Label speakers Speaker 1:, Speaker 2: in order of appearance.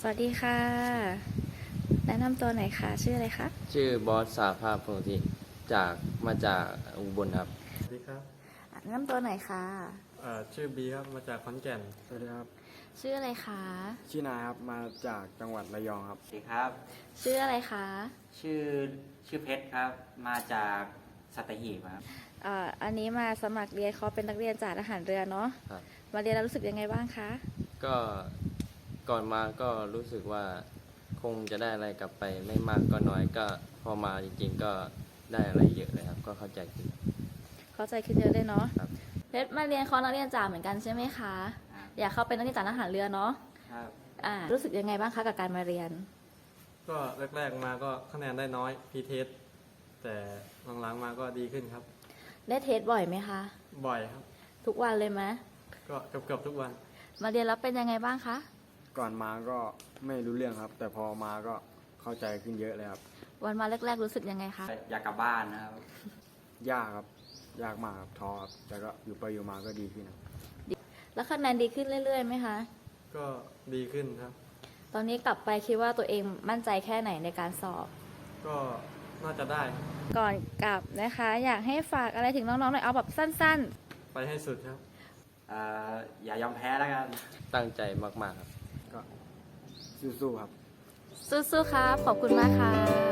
Speaker 1: สวัสดีค่ะแนะนำตัวหน่อยค่ะชื่ออะไรคะ
Speaker 2: ชื่อบอสสาภาพพงศ์ทิมาจากอุบลครับ
Speaker 3: สวัสดีครับ
Speaker 1: แนะนำตัวหน่อยค่ะ
Speaker 3: ชื่อบีครับมาจากขอนแก่น
Speaker 4: สวัสดีครับ
Speaker 1: ชื่ออะไรคะ
Speaker 4: ชื่อนายครับมาจากจังหวัดระยองครับ
Speaker 5: สวัสดีครับ
Speaker 1: ชื่ออะไรคะ
Speaker 5: ชื่อชื่อเพชรครับมาจากสัตหีบครับ
Speaker 1: อันนี้มาสมัครเรียนเขาเป็นนักเรียนจากทหารเรือเนาะ
Speaker 2: ครับ
Speaker 1: มาเรียนแล้วรู้สึกยังไงบ้างคะ
Speaker 2: ก็ก่อนมาก็รู้สึกว่าคงจะได้อะไรกลับไปไม่มากก็น้อยก็พอมาจริงๆก็ได้อะไรเยอะเลยครับก็เข้าใจขึ้น
Speaker 1: เข้าใจขึ้นเยอะเลยเนาะ
Speaker 2: ครับ
Speaker 1: เพชรมาเรียนคอร์สนักเรียนจ่าเหมือนกันใช่ไหมคะอยากเข้าเป็นนักเรียนจ่าทหารเรือเนาะ
Speaker 5: ครับ
Speaker 1: รู้สึกยังไงบ้างคะกับการมาเรียน
Speaker 3: ก็แรกๆมาก็คะแนนได้น้อยพีเทสแต่หลังๆมาก็ดีขึ้นครับ
Speaker 1: ได้เทสบ่อยไหมคะ
Speaker 3: บ่อยครับ
Speaker 1: ทุกวันเลยไหม
Speaker 3: ก็เกือบทุกวัน
Speaker 1: มาเรียนแล้วเป็นยังไงบ้างคะ
Speaker 4: ก่อนมาก็ไม่รู้เรื่องครับ แต่พอมาก็เข้าใจขึ้นเยอะเลยครับ
Speaker 1: วันมาแรกๆรู้สึกยังไงคะ
Speaker 5: อยากกลับบ้านนะครับ
Speaker 4: ยากครับยากมากครับท้อครับแต่ก็อยู่ไปอยู่มาก็ดีขึ้นครับ
Speaker 1: แล้วคะแนนดีขึ้นเรื่อยๆไหมคะ
Speaker 3: ก็ดีขึ้นครับ
Speaker 1: ตอนนี้กลับไปคิดว่าตัวเองมั่นใจแค่ไหนในการสอบ
Speaker 3: ก็น่าจะได้
Speaker 1: ก่อนกลับนะคะ อยากให้ฝากอะไรถึงน้องๆหน่อยเอาแบบสั้น
Speaker 3: ไปให้สุดครับ
Speaker 5: อย่ายอมแพ้แล้วกัน
Speaker 2: ตั้งใจมากๆครับ
Speaker 4: ก็สู้ๆครับ
Speaker 1: ๆสู้ๆครับขอบคุณมากค่ะ